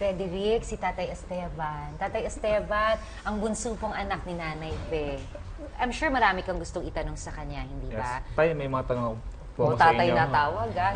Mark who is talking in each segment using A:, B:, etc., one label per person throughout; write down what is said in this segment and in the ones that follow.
A: Frederick, si Tatay Esteban. Tatay Esteban, ang bunso pong anak ni Nanay Fe. I'm sure marami kang gustong itanong sa kanya, hindi ba?
B: Yes. Tay, may mga tanong po
A: O
B: ako sa
A: tatay
B: inyo.
A: na tawag, ah.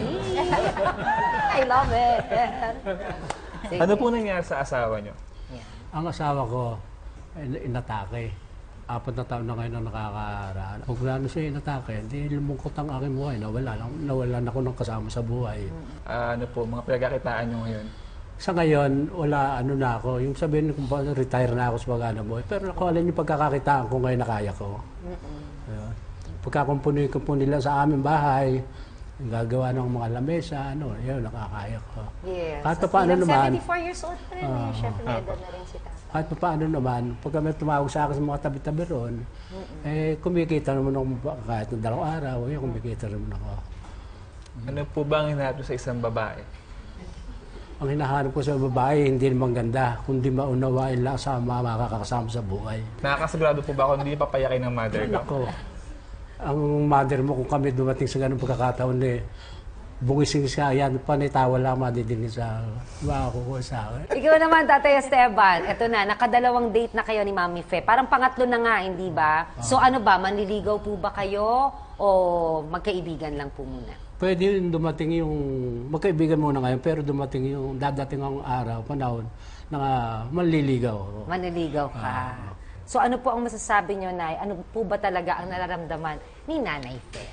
A: I love it. Sige.
B: Ano po nangyari sa asawa nyo?
A: Yeah.
C: Ang asawa ko, inatake. 4 na taon na ngayon na nakakaraan. Kung gaano siya inatake, hindi lumungkot ang aking buhay. Nawalan ako ng kasama sa buhay.
B: Ano po, mga pinagkakitaan nyo ngayon?
C: Sa ngayon, wala ano na ako. Yung sabihin kung paano, retire na ako sa pag-ano buhay. Pero nakuha yung pagkakakitaan ko ngayon na kaya ko. Ayun. Pagkakumpuni nila sa aming bahay, yung gagawa ng mga lamesa, yun, nakakaya ko.
A: Yes.
C: Kahit
A: At
C: paano
A: bilang
C: naman,
A: 74 years old pa rin eh. Chef Neda na rin si Tatay.
C: kahit paano naman, pagka may tumawag sa akin sa mga tabi-tabi ron, kumikita naman ako kahit ng 2 araw, kumikita naman ako.
B: Ano po ba ang hinahanap nyo sa isang babae?
C: Ang hinahanap ko sa babae, hindi naman ganda, kundi maunawain lang sa mga makakasama sa buhay.
B: Nakakasigurado po ba ako hindi papayakin ng mother ko?
C: Ako, ang mother mo, kung kami dumating sa ganung pagkakataon, bungising siya, yan, panitawa lang madidinig sa makakuha sa akin.
A: Ikaw naman, Tatay Esteban. Eto na, nakadalawang date na kayo ni Mami Fe. Parang pangatlo na nga, hindi ba? So ano ba, manliligaw po ba kayo o magkaibigan lang po muna?
C: Pwede yung dumating yung, magkaibigan muna ngayon, pero dumating yung dadating ang araw, panahon, na manliligaw ako.
A: Manliligaw ka. So ano po ang masasabi nyo, Nay? Ano po ba talaga ang nararamdaman ni Nanay Fe?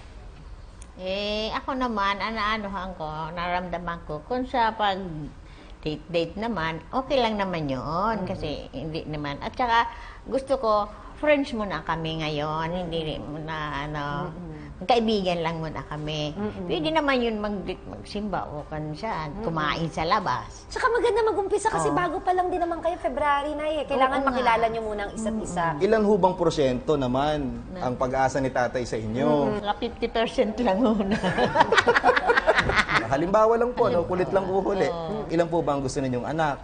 D: Ako naman, naramdaman ko, kung sa pag date naman, okay lang naman yun. Kasi hindi naman. At saka, gusto ko, friends muna kami ngayon. Hindi muna, kaibigan lang muna kami. Pwede naman yun magsimba o kumain sa labas.
A: Tsaka maganda mag-umpisa kasi bago pa lang din naman kayo, February na eh. Kailangan
D: Oo nga.
A: makilala nyo muna ang isa't isa.
E: Ilan hubang porsyento naman ang pag-asa ni tatay sa inyo?
D: Mga 50% lang muna.
E: Halimbawa lang po, kulit lang uhuli. Ilan po ba ang gusto ninyong anak?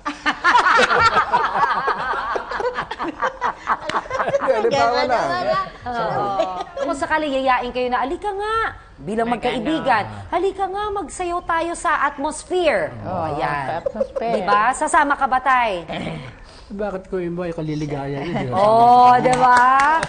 E: Halimbawa lang.
A: Kung sakali yayain kayo na, alika nga, bilang magkaibigan, halika nga, magsayaw tayo sa atmosphere. Ayan.
D: Atmosphere.
A: Diba? Sasama ka ba, Tay?
C: Bakit ko yung boy kaliligaya yun?
A: Diba?